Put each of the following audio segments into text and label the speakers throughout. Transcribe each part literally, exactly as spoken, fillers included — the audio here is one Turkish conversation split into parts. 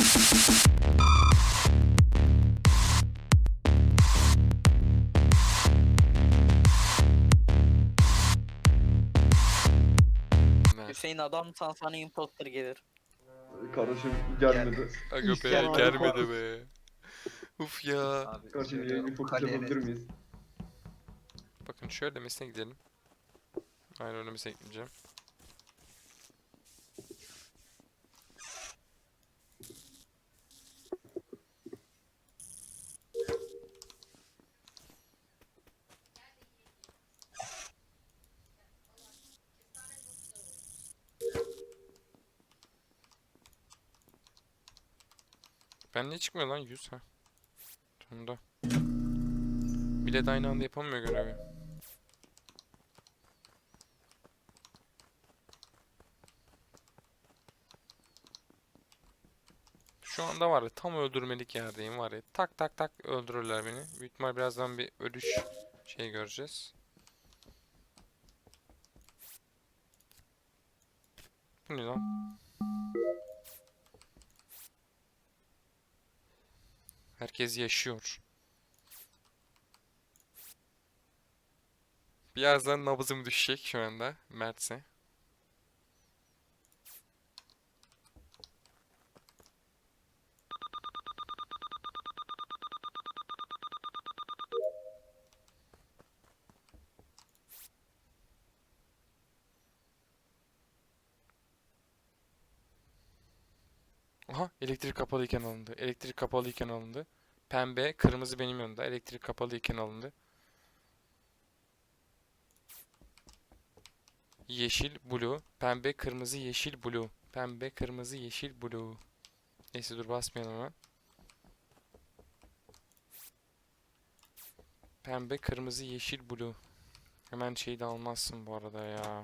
Speaker 1: Hüseyin adamsan sana imposter gelir.
Speaker 2: Kardeşim gelmedi.
Speaker 3: Aga be
Speaker 2: İsyan
Speaker 3: gelmedi
Speaker 2: fokus.
Speaker 3: be. Uf ya.
Speaker 4: Abi
Speaker 2: Kardeşim yayını
Speaker 4: söylüyorum
Speaker 2: fokus
Speaker 4: kaleye
Speaker 2: yapabilir
Speaker 4: net.
Speaker 2: miyiz?
Speaker 3: Bakın şöyle mesne gidelim. Aynen öyle mesne gideceğim. Ben niye çıkmıyor lan yüz ha? Sonunda. Bile de aynı anda yapamıyor görevi. Şu anda var ya tam öldürmelik yerdeyim var ya. Tak tak tak öldürürler beni. Büyük ihtimal birazdan bir ölüş şey göreceğiz. Bu ne lan? Herkes yaşıyor. Birazdan nabzım düşecek şu anda Mert'se. Aha elektrik kapalıyken alındı. Elektrik kapalıyken alındı. Pembe, kırmızı benim yanımda. Elektrik kapalıyken alındı. Yeşil, blue. Pembe, kırmızı, yeşil, blue. Pembe, kırmızı, yeşil, blue. Neyse dur basmayalım hemen. Pembe, kırmızı, yeşil, blue. Hemen şeyi de almazsın bu arada ya.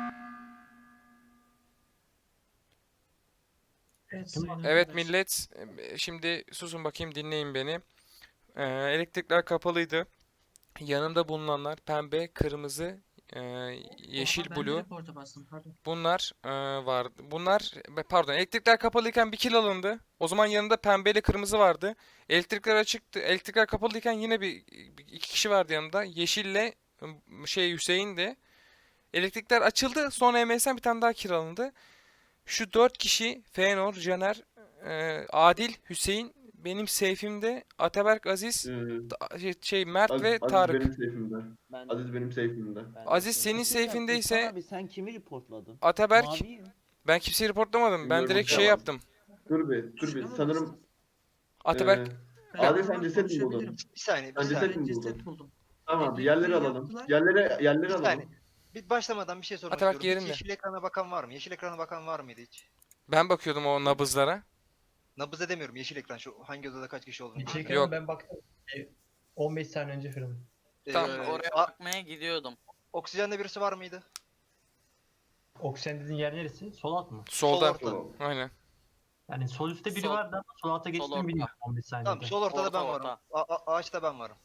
Speaker 3: Evet millet, e, şimdi susun bakayım dinleyin beni. Ee, elektrikler kapalıydı. Yanımda bulunanlar pembe, kırmızı, e, yeşil,
Speaker 5: Oha, ben de
Speaker 3: blue.
Speaker 5: reporta bastım pardon.
Speaker 3: Bunlar e, vardı. Bunlar be- pardon elektrikler kapalıyken bir kill alındı. O zaman yanında pembe ile kırmızı vardı. Elektrikler açıktı. Elektrikler kapalıyken yine bir, bir- iki kişi vardı yanımda. Yeşille m, şey Hüseyin'di. Elektrikler açıldı. Sonra M S'den bir tane daha kill alındı. Şu dört kişi Fëanor, Caner, e, Adil, Hüseyin benim safe'imde. Ataberk, Aziz,
Speaker 2: Ee,
Speaker 3: Ta- şey, şey, Mert
Speaker 2: Aziz,
Speaker 3: ve
Speaker 2: Aziz
Speaker 3: Tarık.
Speaker 2: benim safe'imde.
Speaker 6: Ben
Speaker 2: Aziz benim safe'imde.
Speaker 6: ben
Speaker 3: Aziz
Speaker 6: de-
Speaker 3: senin
Speaker 6: Bir şey diyeceğim,
Speaker 3: safe'indeyse
Speaker 6: İhsan abi sen kimi reportladın?
Speaker 3: Ataberk,
Speaker 6: Maviyi.
Speaker 3: ben kimseyi reportlamadım. Ben
Speaker 2: Bilmiyorum
Speaker 3: direkt
Speaker 2: ama-
Speaker 3: şey yaptım.
Speaker 2: Dur bir, dur bir.
Speaker 5: Şuna mı
Speaker 2: Sanırım
Speaker 5: bastın?
Speaker 3: Ataberk,
Speaker 2: ee,
Speaker 5: Ben
Speaker 2: Adil
Speaker 5: normal
Speaker 2: sen ceset mi
Speaker 5: konuşabilirim.
Speaker 2: buldun?
Speaker 4: Bir saniye, bir
Speaker 2: Ben ceset
Speaker 4: saniye.
Speaker 2: mi
Speaker 5: Ben
Speaker 2: buldun?
Speaker 5: ceset buldum.
Speaker 2: Tamam bir
Speaker 5: Elektrikleri
Speaker 2: yerleri alalım.
Speaker 5: yaptılar.
Speaker 2: Yerlere, yerleri
Speaker 4: Bir
Speaker 2: alalım.
Speaker 4: saniye. Bir başlamadan bir şey sormak
Speaker 3: Ataberk
Speaker 4: istiyorum. Hiç
Speaker 3: yerinde.
Speaker 4: yeşil ekrana bakan var mı? Yeşil ekrana bakan var mıydı hiç?
Speaker 3: ben bakıyordum o nabızlara.
Speaker 4: Nabız edemiyorum yeşil ekran. Şu hangi odada kaç kişi olduğunu.
Speaker 7: Yeşil
Speaker 4: göster.
Speaker 7: ekran
Speaker 3: Yok.
Speaker 7: ben baktım. E, on beş saniye önce falan.
Speaker 4: Ee,
Speaker 3: Tamam.
Speaker 1: Oraya
Speaker 4: a-
Speaker 1: bakmaya gidiyordum.
Speaker 4: oksijende birisi var mıydı?
Speaker 7: Oksijen dediğin yer neresi? Sol alt mı?
Speaker 3: Solda.
Speaker 4: Sol orta.
Speaker 2: Tamam.
Speaker 3: Aynen.
Speaker 7: Yani sol üstte biri
Speaker 1: Sol-
Speaker 7: vardı ama sol alta
Speaker 1: sol
Speaker 7: geçtim
Speaker 1: orta.
Speaker 7: bilmiyorum on beş saniyede.
Speaker 4: Tamam sol ortada
Speaker 1: Orta,
Speaker 4: ben varım.
Speaker 1: orta.
Speaker 4: A- a- ağaçta ben varım.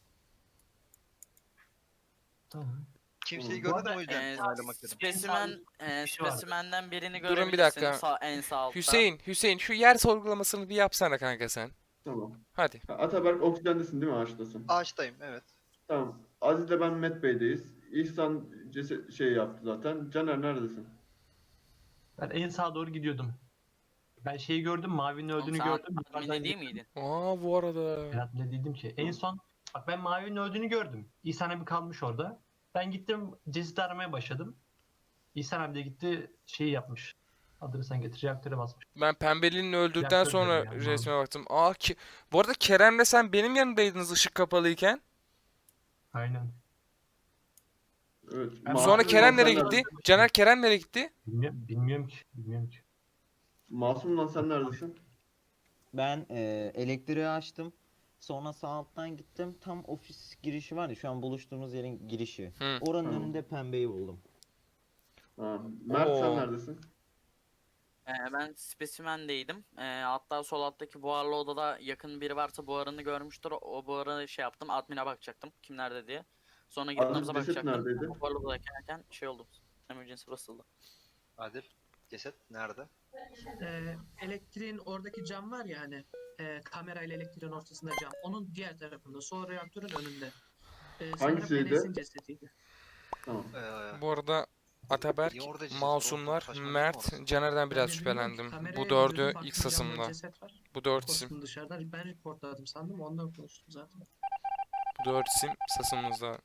Speaker 7: Tamam.
Speaker 4: Kimseyi
Speaker 2: Bu
Speaker 4: görmedim
Speaker 1: arada,
Speaker 4: o yüzden
Speaker 1: e,
Speaker 4: onaylamak istedim.
Speaker 1: Spesimen, e,
Speaker 7: kişi var.
Speaker 1: spesimenden birini
Speaker 3: Durun bir
Speaker 1: görebilirsin
Speaker 3: dakika.
Speaker 1: sağ, en sağ altta.
Speaker 3: Hüseyin, Hüseyin şu yer sorgulamasını bir yapsana kanka sen.
Speaker 2: Tamam.
Speaker 3: Hadi.
Speaker 2: Ha, Ataberk oksijendesin değil mi? Ağaçtasın.
Speaker 4: Ağaçtayım evet.
Speaker 2: Tamam. Aziz'le ben Met Bey'deyiz. İhsan ceset şey yaptı zaten. Caner neredesin?
Speaker 7: Ben en sağa doğru gidiyordum. Ben şeyi gördüm, Mavi'nin
Speaker 1: Oğlum
Speaker 7: öldüğünü
Speaker 1: sen
Speaker 7: gördüm.
Speaker 1: adminde
Speaker 7: Yukarıdan
Speaker 1: değil
Speaker 7: gittim.
Speaker 1: miydin?
Speaker 3: Aa bu arada.
Speaker 7: Berat ne dedim ki? En son bak ben Mavi'nin öldüğünü gördüm. İhsan abi kalmış orada. Ben gittim cesedi aramaya başladım. İhsan abi de gitti şeyi yapmış. Adını sen getir. Reaktöre basmış.
Speaker 3: Ben pembelinin öldükten
Speaker 7: Reaktör
Speaker 3: sonra
Speaker 7: diyorum yani,
Speaker 3: resme baktım. Aa ki bu arada Kerem'le sen benim yanımdaydınız ışık kapalıyken.
Speaker 7: Aynen.
Speaker 2: Evet.
Speaker 7: Ben
Speaker 2: Masum
Speaker 3: Sonra
Speaker 7: Masum
Speaker 3: Kerem
Speaker 2: lan
Speaker 3: nereye
Speaker 2: sen
Speaker 3: gitti?
Speaker 2: neredesin?
Speaker 3: Caner Kerem nereye gitti?
Speaker 7: Bilmiyorum, bilmiyorum ki. Bilmiyorum ki.
Speaker 2: Masum lan sen neredesin?
Speaker 6: Ben e, elektriği açtım. Sonra sağ alttan gittim. Tam ofis girişi var ya şu an buluştuğumuz yerin girişi.
Speaker 3: Hı.
Speaker 6: Oranın
Speaker 2: Tamam.
Speaker 6: önünde pembeyi buldum.
Speaker 2: Ha, Mert sen
Speaker 3: Oo.
Speaker 2: neredesin?
Speaker 1: E, ben spesimendeydim. E, hatta sol alttaki buharlı odada yakın biri varsa buharını görmüştür. O buharı şey yaptım. Admin'e bakacaktım. Kim nerede diye. Sonra gidip
Speaker 2: Aziz
Speaker 1: nabza
Speaker 2: ceset
Speaker 1: bakacaktım.
Speaker 2: neredeydi?
Speaker 1: O buharlı odadayken şey oldu. Emergency basıldı.
Speaker 4: Adil. Ceset nerede?
Speaker 5: Ee, elektriğin oradaki cam var ya hani e, kamerayla elektriğin ortasında cam. Onun diğer tarafında. Sol reaktörün önünde. Ee, sanırım
Speaker 2: Hangisiydi?
Speaker 5: Enes'in cesediydi.
Speaker 2: Tamam.
Speaker 4: Ee,
Speaker 3: Bu arada Ataberk,
Speaker 4: niye orada ceset var?
Speaker 3: Masumlar,
Speaker 4: Saçma değil mi
Speaker 3: Mert,
Speaker 4: orası?
Speaker 3: Caner'den biraz
Speaker 5: Ben de bilmiyorum ki,
Speaker 3: şüphelendim.
Speaker 5: kameraya
Speaker 3: Bu dördü
Speaker 5: gidiyordum,
Speaker 3: ilk
Speaker 5: baktım camda
Speaker 3: sasımda.
Speaker 5: ceset var.
Speaker 3: Bu dört isim.
Speaker 5: Korktum dışarıdan. Ben reportladım sandım. Ondan konuştum zaten.
Speaker 3: Bu dört isim sasımızda.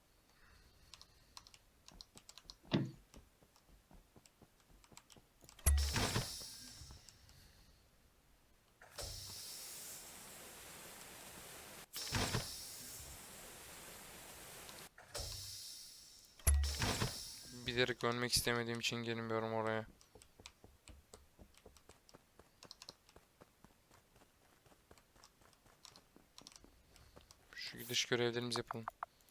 Speaker 3: Bilerek ölmek istemediğim için gelmiyorum oraya. Şu gidiş görevlerimizi yapalım.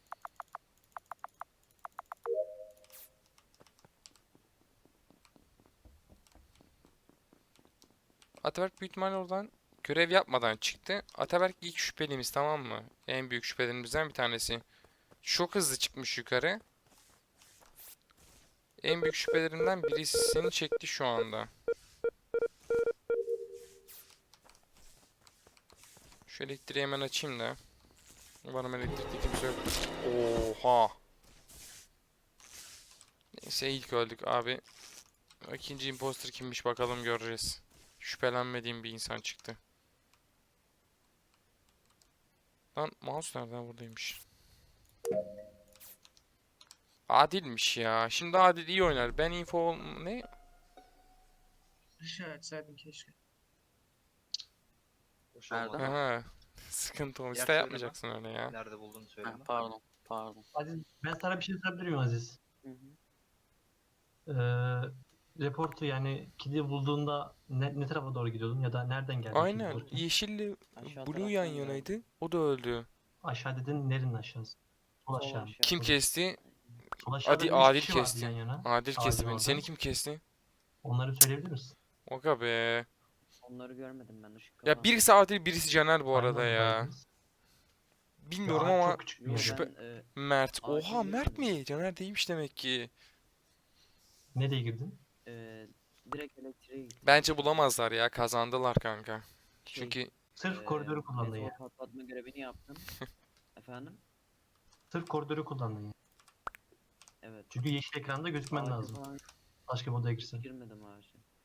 Speaker 3: Ataberk büyük ihtimalle oradan görev yapmadan çıktı. Ataberk ilk şüphelimiz, tamam mı? En büyük şüphelerimizden bir tanesi. Çok hızlı çıkmış yukarı. En büyük şüphelerimden birisi seni çekti şu anda. Şu elektriği hemen açayım da. Umarım elektrikte kimse yok. Oha. Neyse ilk öldük abi. İkinci imposter kimmiş bakalım göreceğiz. Şüphelenmediğim bir insan çıktı. Lan mouse nereden buradaymış? Adilmiş ya. Şimdi Adil iyi oynar. Ben info ol- ne?
Speaker 5: Aşağı açsaydın keşke.
Speaker 4: Hoş
Speaker 1: Nerede?
Speaker 4: olmadı.
Speaker 3: Aha. Sıkıntı o.
Speaker 4: Yer
Speaker 3: İste
Speaker 4: söyleme.
Speaker 3: yapmayacaksın öyle ya.
Speaker 4: Nerede bulduğunu
Speaker 1: Ha,
Speaker 4: söyleme.
Speaker 1: pardon. Pardon.
Speaker 7: Aziz, ben sana bir şey sorabilir miyim Aziz?
Speaker 1: Hı hı.
Speaker 7: Ee, reportu yani kidi bulduğunda ne, ne tarafa doğru gidiyordun ya da nereden geldi kidi
Speaker 3: Aynen.
Speaker 7: bulurken?
Speaker 3: Yeşilli
Speaker 8: Aşağı
Speaker 3: Blue yan
Speaker 8: taraftan geldi.
Speaker 3: yanaydı. O da öldü.
Speaker 7: Aşağı dedin, nerenin aşağısı? Sol
Speaker 8: Sol
Speaker 7: aşağı mı?
Speaker 8: aşağı.
Speaker 3: Kim
Speaker 7: Sol-
Speaker 3: kesti?
Speaker 7: Sol aşağıda
Speaker 3: Adi
Speaker 7: üç
Speaker 3: Adil
Speaker 7: kişi vardı
Speaker 3: kesti.
Speaker 7: yan yana.
Speaker 3: Adil kesti
Speaker 7: Adil
Speaker 3: beni.
Speaker 7: orada.
Speaker 3: Seni kim kesti?
Speaker 7: Onları söyleyebilir misin?
Speaker 3: Oka be.
Speaker 8: Onları görmedim ben ışık
Speaker 3: Ya
Speaker 8: kapandı.
Speaker 3: birisi Adil, birisi Caner bu
Speaker 7: Aynı
Speaker 3: arada
Speaker 7: anda
Speaker 3: ya.
Speaker 7: verdiniz.
Speaker 3: Bilmiyorum
Speaker 7: Ya,
Speaker 3: ama
Speaker 7: çok küçük bir
Speaker 8: Yo,
Speaker 7: yer.
Speaker 3: şüphe-
Speaker 8: ben, e,
Speaker 3: Mert.
Speaker 8: Adil'i
Speaker 3: Oha Mert
Speaker 8: görmedim.
Speaker 3: mi? Caner değilmiş demek ki.
Speaker 7: Nereye girdin?
Speaker 8: e, direkt elektriğe gittim.
Speaker 3: Bence bulamazlar ya. Kazandılar kanka.
Speaker 8: Şey,
Speaker 3: Çünkü
Speaker 7: Sırf
Speaker 8: e,
Speaker 7: koridoru kullandın
Speaker 8: meteor
Speaker 7: ya.
Speaker 8: patlatma görevini yaptım. Efendim?
Speaker 7: Sırf koridoru kullandın ya.
Speaker 8: Evet.
Speaker 7: Çünkü yeşil ekranda gözükmen
Speaker 8: Ağaca
Speaker 7: lazım.
Speaker 8: falan
Speaker 7: Başka bir odaya girsen.
Speaker 8: girmedim ağaca.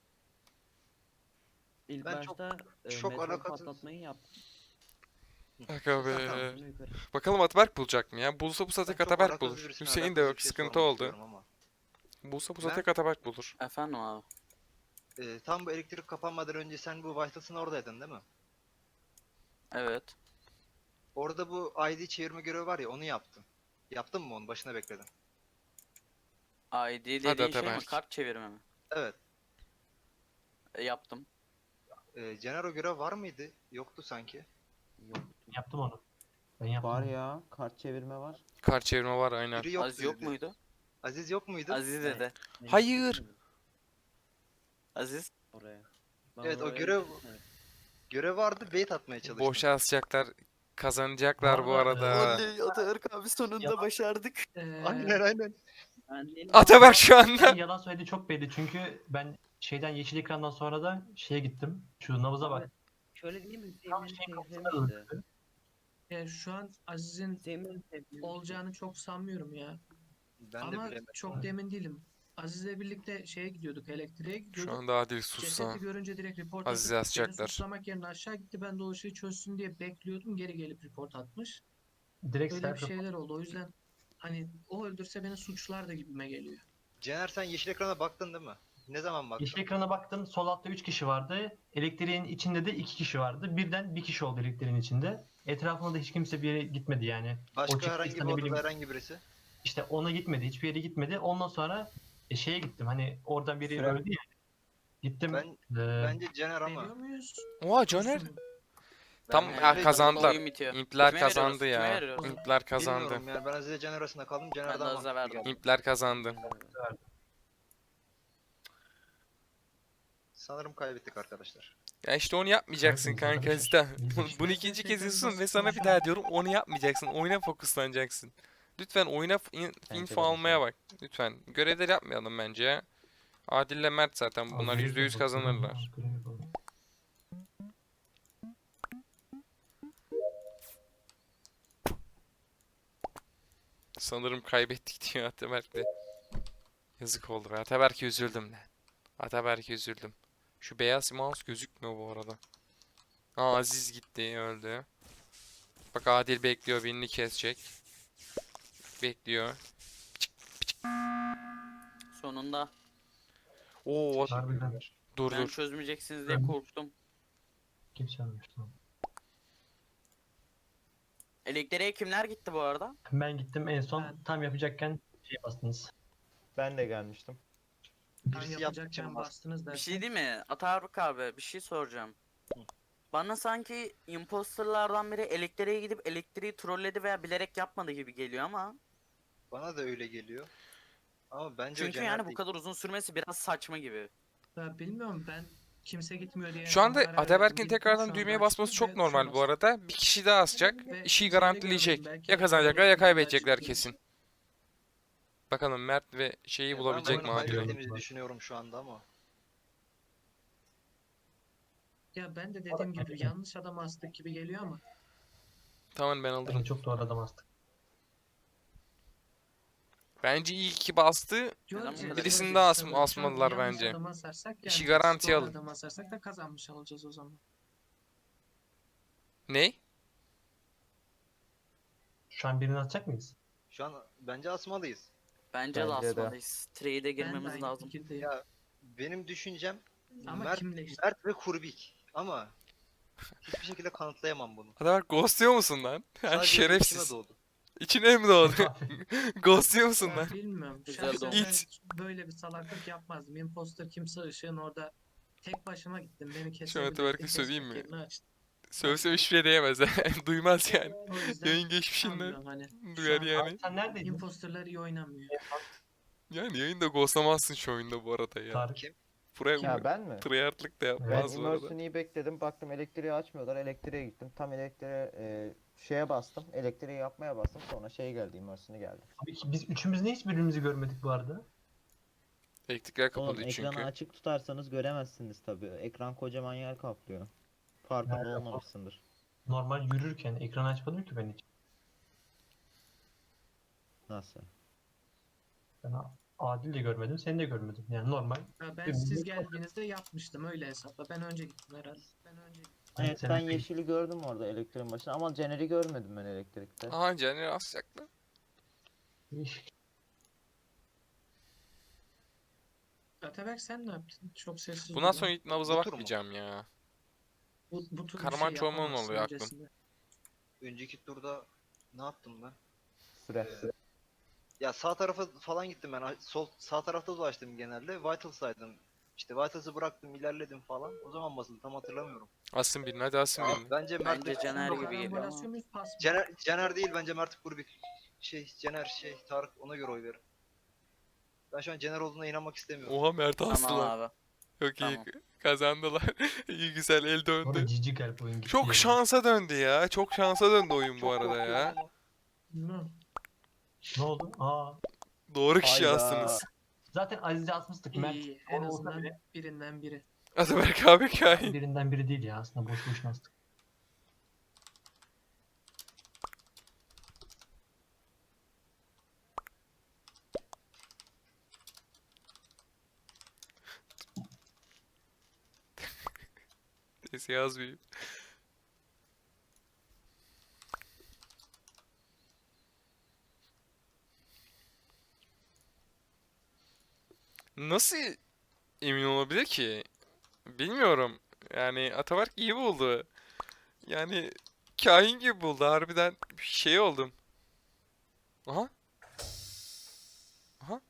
Speaker 8: İlk
Speaker 4: Ben çok-
Speaker 8: başta e,
Speaker 4: çok
Speaker 8: meteor
Speaker 4: alakasız-
Speaker 8: patlatmayı yaptım.
Speaker 3: Aga be.
Speaker 8: Sonra yukarı.
Speaker 3: Bakalım Ataberk bulacak mı ya? Bulsa bu
Speaker 4: Ben
Speaker 3: saate
Speaker 4: çok
Speaker 3: Ataberk
Speaker 4: alakasız
Speaker 3: bulur.
Speaker 4: birisine
Speaker 3: Hüseyin de
Speaker 4: alakasız
Speaker 3: yok.
Speaker 4: bir şey
Speaker 3: Sıkıntı
Speaker 4: sormak
Speaker 3: oldu.
Speaker 4: istiyorum ama.
Speaker 3: Bulsa bu
Speaker 4: Ben-
Speaker 3: saate Ataberk bulur.
Speaker 1: Efendim abi.
Speaker 4: Ee, tam bu elektrik kapanmadan önce sen bu Vitals'ın oradaydın değil mi?
Speaker 1: Evet.
Speaker 4: Orada bu I D çevirme görevi var ya, onu yaptın. Yaptın mı onu? Başına bekledin.
Speaker 1: I D dediğin şey mi?
Speaker 3: Ataberk.
Speaker 1: Kart çevirme mi?
Speaker 4: Evet.
Speaker 1: E, yaptım.
Speaker 4: Ee, Genero görev var mıydı? Yoktu sanki.
Speaker 8: Yok.
Speaker 7: Yaptım onu. Ben yaptım.
Speaker 6: Var ya, kart çevirme var.
Speaker 3: Kart çevirme var aynen.
Speaker 4: Biri yoktu
Speaker 1: Aziz yok
Speaker 4: dedi.
Speaker 1: muydu?
Speaker 4: Aziz yok muydu?
Speaker 1: Aziz dedi.
Speaker 8: Ben
Speaker 3: Hayır.
Speaker 8: gitmedim
Speaker 1: Aziz.
Speaker 8: Oraya. Ben
Speaker 4: Evet, o
Speaker 8: oraya
Speaker 4: görev-
Speaker 8: gitmedim.
Speaker 4: Görev vardı, bait atmaya çalıştım.
Speaker 3: Boşa asacaklar. Kazanacaklar bu
Speaker 7: Bu arada,
Speaker 3: arada.
Speaker 1: Ataberk abi sonunda
Speaker 7: Yalan.
Speaker 1: başardık.
Speaker 5: Ee,
Speaker 4: Aynen aynen.
Speaker 8: Ben değilim.
Speaker 3: Ataberk şu anda.
Speaker 7: Ben yalan söylediği çok belli çünkü ben şeyden yeşil ekrandan sonra da şeye gittim. Şu nabıza bak.
Speaker 8: Şöyle değil mi?
Speaker 7: Tam
Speaker 8: Hüseyin'in
Speaker 7: şeyin
Speaker 8: sevdiğim
Speaker 7: kafasına
Speaker 8: işte.
Speaker 7: döndü.
Speaker 5: e, şu an Aziz'in
Speaker 8: Hüseyin'in sevdiğim
Speaker 5: olacağını çok sanmıyorum ya.
Speaker 4: Ben de
Speaker 5: Ama
Speaker 4: bilemedim.
Speaker 5: çok da emin değilim. Aziz'le birlikte şeye gidiyorduk, elektriğe
Speaker 3: Şu
Speaker 5: gidiyorduk.
Speaker 3: anda Adil sussa.
Speaker 5: Cesedi görünce direkt report
Speaker 3: Aziz'i
Speaker 5: atıp beni
Speaker 3: asacaklar.
Speaker 5: suçlamak yerine aşağı gitti. Ben de o işi çözsün diye bekliyordum. Geri gelip report atmış.
Speaker 7: Direkt
Speaker 5: Öyle bir
Speaker 7: self
Speaker 5: şeyler oldu. O yüzden hani o öldürse beni suçlar da gibime geliyor.
Speaker 4: Cener, sen yeşil ekrana baktın değil mi? Ne zaman baktın?
Speaker 7: Yeşil ekrana baktım. Sol altta üç kişi vardı. Elektriğin içinde de iki kişi vardı. Birden bir kişi oldu elektriğin içinde. Etrafında da hiç kimse bir yere gitmedi yani. O
Speaker 4: Başka
Speaker 7: çıktıysa
Speaker 4: herhangi bir
Speaker 7: ne
Speaker 4: odada
Speaker 7: bileyim,
Speaker 4: herhangi birisi?
Speaker 7: işte ona gitmedi. Hiçbir yere gitmedi. Ondan sonra e, şeye gittim. Hani oradan biri
Speaker 6: Süre.
Speaker 7: öldü ya. Gittim.
Speaker 4: Ben
Speaker 7: e,
Speaker 4: bence Cener ama.
Speaker 5: Veriyor muyuz?
Speaker 3: Oha Caner.
Speaker 5: Olsun.
Speaker 3: Tam
Speaker 4: Ben-
Speaker 3: ha,
Speaker 4: ben-
Speaker 3: kazandılar.
Speaker 1: Oyun bitiyor.
Speaker 3: İmpler
Speaker 1: Kime
Speaker 3: kazandı
Speaker 1: veriyoruz? Kime
Speaker 3: ya.
Speaker 1: veriyoruz?
Speaker 3: İmpler kazandı.
Speaker 4: Bilmiyorum yani, ben Aziz'le Cener arasında kaldım. Cener
Speaker 1: Ben de
Speaker 4: daha
Speaker 1: Aziz'e
Speaker 4: mantıklı
Speaker 1: verdim.
Speaker 4: geldi.
Speaker 3: İmpler kazandı.
Speaker 4: Sanırım kaybettik arkadaşlar.
Speaker 3: Ya işte onu yapmayacaksın
Speaker 7: Kaybettik
Speaker 3: kanka
Speaker 7: arkadaşlar.
Speaker 3: Zita.
Speaker 7: İyi
Speaker 3: Bunu,
Speaker 7: işte.
Speaker 3: bunu ikinci kez yazıyorsun ve sana bir daha diyorum onu yapmayacaksın. Oyuna fokuslanacaksın. Lütfen oyuna f- in-
Speaker 6: Bence
Speaker 3: info
Speaker 6: de
Speaker 3: almaya
Speaker 6: mesela.
Speaker 3: bak. Lütfen. Görevleri yapmayalım bence ya. Adil'le Mert zaten bunlar
Speaker 7: Abi,
Speaker 3: yüzde yüz
Speaker 7: görev
Speaker 3: kazanırlar.
Speaker 7: yapalım, görev yapalım.
Speaker 3: Sanırım kaybettik diyor Ataberk'le. Yazık oldu. be. Ataberk'e üzüldüm lan. Ataberk'e üzüldüm. Şu beyaz mouse gözükmüyor bu arada. Aa, Aziz gitti, öldü. Bak Adil bekliyor, birini kesecek. Bekliyor.
Speaker 1: Sonunda.
Speaker 3: Oo,
Speaker 7: Harbiden
Speaker 3: dur
Speaker 1: Ben
Speaker 3: dur.
Speaker 1: çözmeyeceksiniz diye
Speaker 7: Ben-
Speaker 1: korktum.
Speaker 7: kimse ölmüş. Tamam.
Speaker 1: Elektriğe kimler gitti bu arada?
Speaker 7: Ben gittim en son
Speaker 5: Ben-
Speaker 7: tam yapacakken şey bastınız.
Speaker 6: Ben de gelmiştim.
Speaker 5: Ben
Speaker 4: Birisi yaptı
Speaker 5: yapacakken
Speaker 4: canım bastı.
Speaker 5: bastınız
Speaker 1: Bir
Speaker 5: derken.
Speaker 1: şey değil mi? Ataruk abi bir şey soracağım. Bana sanki imposterlardan biri elektriğe gidip elektriği trolledi veya bilerek yapmadı gibi geliyor ama.
Speaker 4: Bana da öyle geliyor. Ama bence o
Speaker 1: Çünkü
Speaker 4: Cener
Speaker 1: yani bu
Speaker 4: değil.
Speaker 1: kadar uzun sürmesi biraz saçma gibi.
Speaker 5: Ya bilmiyorum ben kimse gitmiyor diye.
Speaker 3: Şu anda
Speaker 5: karar verdim.
Speaker 3: Ataberk'in
Speaker 5: Gittim, şu
Speaker 3: tekrardan
Speaker 5: anda
Speaker 3: düğmeye
Speaker 5: açtım
Speaker 3: basması
Speaker 5: ve
Speaker 3: çok
Speaker 5: tuşa
Speaker 3: normal bu
Speaker 5: bastım.
Speaker 3: arada. Bir kişi daha asacak,
Speaker 5: Ve
Speaker 3: işi
Speaker 5: şeyde
Speaker 3: garantileyecek.
Speaker 5: görmedim, belki
Speaker 3: Ya kazanacaklar ya
Speaker 5: olur,
Speaker 3: kaybedecekler
Speaker 5: belki
Speaker 3: kesin. Bakalım Mert ve şeyi
Speaker 4: Ya
Speaker 3: bulabilecek
Speaker 4: ben
Speaker 3: mi
Speaker 4: bunu
Speaker 3: Adil?
Speaker 4: kaybettiğimizi düşünüyorum şu anda ama.
Speaker 5: Ya ben de dediğim gibi yanlış adam astık gibi geliyor ama.
Speaker 3: Tamam, ben alırım.
Speaker 7: Bence çok doğru adam astık.
Speaker 3: Bence iyi ki bastı.
Speaker 5: Diyorum
Speaker 1: Neden bu
Speaker 5: ki,
Speaker 1: kadar
Speaker 3: Birisini
Speaker 5: şöyle
Speaker 3: daha
Speaker 5: bir
Speaker 3: as-
Speaker 5: şey var. Şu an
Speaker 3: asmalılar
Speaker 5: yanlış
Speaker 3: bence.
Speaker 5: adamı asarsak
Speaker 3: İşi
Speaker 5: yani
Speaker 3: garantiye
Speaker 5: doğru
Speaker 3: alın.
Speaker 5: adamı asarsak da kazanmış olacağız o zaman.
Speaker 3: Ne?
Speaker 7: Şu an birini atacak mıyız?
Speaker 4: Şu an bence asmalıyız.
Speaker 1: Bence, de
Speaker 6: Bence de.
Speaker 1: asmalıyız. Trade'e
Speaker 5: Ben de
Speaker 1: girmemiz
Speaker 5: aynı
Speaker 1: lazım.
Speaker 5: fikirdeyim.
Speaker 4: Ya benim düşüncem
Speaker 5: Ama
Speaker 4: Mert,
Speaker 5: kimle işte?
Speaker 4: Mert ve Kurbik. Ama hiçbir şekilde kanıtlayamam bunu.
Speaker 3: Ataberk ghostluyor musun lan? Yani
Speaker 4: Sadece içime
Speaker 3: şerefsiz.
Speaker 4: doğdu.
Speaker 3: İçine mi doğdu? Ghostluyor musun
Speaker 5: Ben
Speaker 3: lan?
Speaker 5: bilmiyorum.
Speaker 1: Güzel
Speaker 5: Şahsen
Speaker 1: oldu.
Speaker 5: ben
Speaker 3: İt.
Speaker 5: böyle bir salaklık yapmazdım. Imposter kimse ışığın orada tek başıma gittim. Beni
Speaker 3: Şu an
Speaker 5: kesebilirdi.
Speaker 3: Ataberk'e söyleyeyim
Speaker 5: kesmek
Speaker 3: mi?
Speaker 5: yerine açtım.
Speaker 3: Sövsem hiçbir şey diyemez. Duymaz yani.
Speaker 5: O yüzden
Speaker 3: Yayın geçmişinden
Speaker 5: sanmıyorum hani.
Speaker 3: duyar
Speaker 5: an-
Speaker 3: yani.
Speaker 7: Sen neredeydin?
Speaker 5: Imposterlar iyi oynamıyor.
Speaker 3: Yani yayında ghostlamazsın şu oyunda bu arada ya.
Speaker 7: Tarık.
Speaker 3: Buraya
Speaker 6: Ya ben mi?
Speaker 3: tryhardlık da
Speaker 6: Ben
Speaker 3: yapmaz bu arada.
Speaker 6: Immersion'ı bekledim. Baktım elektriği açmıyorlar. Elektriğe gittim. Tam elektriğe e, şeye bastım. Elektriği yapmaya bastım. Sonra şey geldi. Immersion'ı geldi.
Speaker 7: Abi ki biz üçümüz niye hiç birbirimizi görmedik bu arada?
Speaker 3: Elektrikler
Speaker 6: Oğlum
Speaker 3: kapalıydı
Speaker 6: ekranı
Speaker 3: çünkü.
Speaker 6: açık tutarsanız göremezsiniz tabii. Ekran kocaman yer kaplıyor. Farkında
Speaker 7: Nerede?
Speaker 6: olmamışsındır.
Speaker 7: Normal yürürken ekranı açmadım ki ben hiç.
Speaker 6: Nasıl?
Speaker 7: Ben A- Adil de görmedim, seni de görmedim. Yani normal.
Speaker 5: Ya ben
Speaker 7: Benim
Speaker 5: siz
Speaker 7: de-
Speaker 5: geldiğinizde yapmıştım öyle hesapla. Ben önce gittim herhalde. Ben önce gittim.
Speaker 6: Evet
Speaker 7: sen
Speaker 6: ben
Speaker 7: de-
Speaker 6: yeşili gördüm orada elektriğin başında ama Caner'i görmedim ben elektrikte.
Speaker 3: Aha, Caner asacaklar.
Speaker 7: Değişik.
Speaker 5: Ataberk sen ne yaptın? Çok sessiz
Speaker 3: Bundan
Speaker 5: durdun.
Speaker 3: sonra ilk nabıza
Speaker 4: Bu tur mu?
Speaker 3: bakmayacağım ya.
Speaker 5: bu, bu tür bir
Speaker 3: Karman
Speaker 5: şey
Speaker 3: çorman
Speaker 5: yapamazsın
Speaker 3: oluyor aklım.
Speaker 5: öncesinde.
Speaker 4: Önceki turda ne yaptım ben?
Speaker 6: Süre.
Speaker 4: Ya sağ tarafa falan gittim ben. Sol sağ tarafta dolaştım genelde. Vitals'taydım. İşte Vitals'ı bıraktım, ilerledim falan. O zaman basıldı tam hatırlamıyorum.
Speaker 3: Asın birini, hadi asın
Speaker 4: Ya,
Speaker 3: birini.
Speaker 4: bence Mert
Speaker 1: Bence
Speaker 4: ve-
Speaker 1: Caner gibi geliyor
Speaker 5: Karambolasyon
Speaker 1: ama.
Speaker 5: muyuz, pas mı?
Speaker 4: Caner, Caner değil bence Mert Kurbik. Şey Caner şey Tarık ona göre oy verin. Ben şu an Caner olduğuna inanmak istemiyorum.
Speaker 3: Oha, Mert
Speaker 1: Tamam
Speaker 3: astılar.
Speaker 1: abi.
Speaker 3: Çok iyi
Speaker 1: Tamam.
Speaker 3: kazandılar. İyi, güzel, el
Speaker 7: Orada
Speaker 3: döndü.
Speaker 7: cici gelip oyun gitti.
Speaker 3: Çok
Speaker 7: yani.
Speaker 3: şansa döndü ya. Çok şansa döndü oyun bu
Speaker 4: Çok
Speaker 3: arada
Speaker 4: korkuyorum
Speaker 3: ya.
Speaker 4: ama.
Speaker 5: Bilmiyorum.
Speaker 7: Ne oldu? Aa.
Speaker 3: Doğru kişi
Speaker 6: Hayda.
Speaker 3: astınız.
Speaker 7: Zaten Aziz'i asmıştık.
Speaker 5: İyi,
Speaker 7: Mert
Speaker 5: iyi. En
Speaker 7: olsa
Speaker 5: azından
Speaker 7: bile
Speaker 5: birinden biri.
Speaker 3: Ataberk abi kain.
Speaker 7: birinden biri değil ya aslında boş boşuna astık.
Speaker 3: Neyse, yazmayayım. Nasıl emin olabilir ki? Bilmiyorum. Yani Ataberk iyi buldu. Yani kahin gibi buldu. Harbiden şey oldum. Aha. Aha.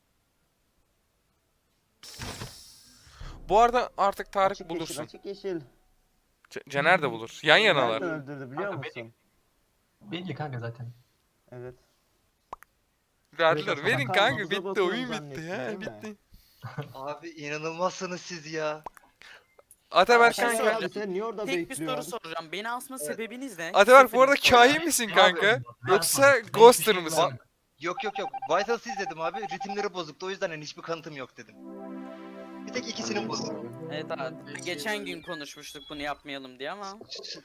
Speaker 3: Bu arada artık Tarık
Speaker 6: Açık yeşil,
Speaker 3: bulursun.
Speaker 6: açık yeşil.
Speaker 3: C- Caner de bulur. Yan yanalar.
Speaker 6: Nereden öldürdü biliyor
Speaker 7: Kanka
Speaker 6: musun?
Speaker 7: Belli kanka zaten.
Speaker 6: Evet.
Speaker 3: Verdiler.
Speaker 7: Biraz
Speaker 3: Verin
Speaker 6: bakan
Speaker 3: kanka,
Speaker 6: nabza
Speaker 3: bitti.
Speaker 6: bakıyorum
Speaker 3: Oyun bitti
Speaker 6: zannettin,
Speaker 3: ya.
Speaker 6: değil mi?
Speaker 3: Bitti.
Speaker 4: Abi inanılmazsınız siz ya.
Speaker 3: Ataberk
Speaker 1: Şey
Speaker 6: Sen
Speaker 3: kanka.
Speaker 1: söyleyeceğim.
Speaker 6: abi sen niye orada
Speaker 1: Tek bir
Speaker 6: bekliyorsun?
Speaker 1: soru soracağım. Beni asma
Speaker 4: Evet.
Speaker 1: sebebiniz ne?
Speaker 3: Ataberk bu arada
Speaker 1: Sebebiniz söyle.
Speaker 3: kahin misin
Speaker 7: Ne
Speaker 3: kanka?
Speaker 7: yapıyorsun? Ne
Speaker 3: Yoksa
Speaker 7: yapıyorsun? Ben
Speaker 3: ghoster
Speaker 7: hiçbir şey
Speaker 3: mısın?
Speaker 7: görmedim.
Speaker 4: Yok yok yok. Vitals'ı izledim abi. Ritimleri bozuktu. O yüzden hani hiçbir kanıtım yok dedim. Bir tek ikisinin buldum.
Speaker 1: Evet abi.
Speaker 5: Evet,
Speaker 1: Geçen
Speaker 5: şey
Speaker 1: gün konuşmuştuk bunu yapmayalım diye ama.
Speaker 4: Ç- ç-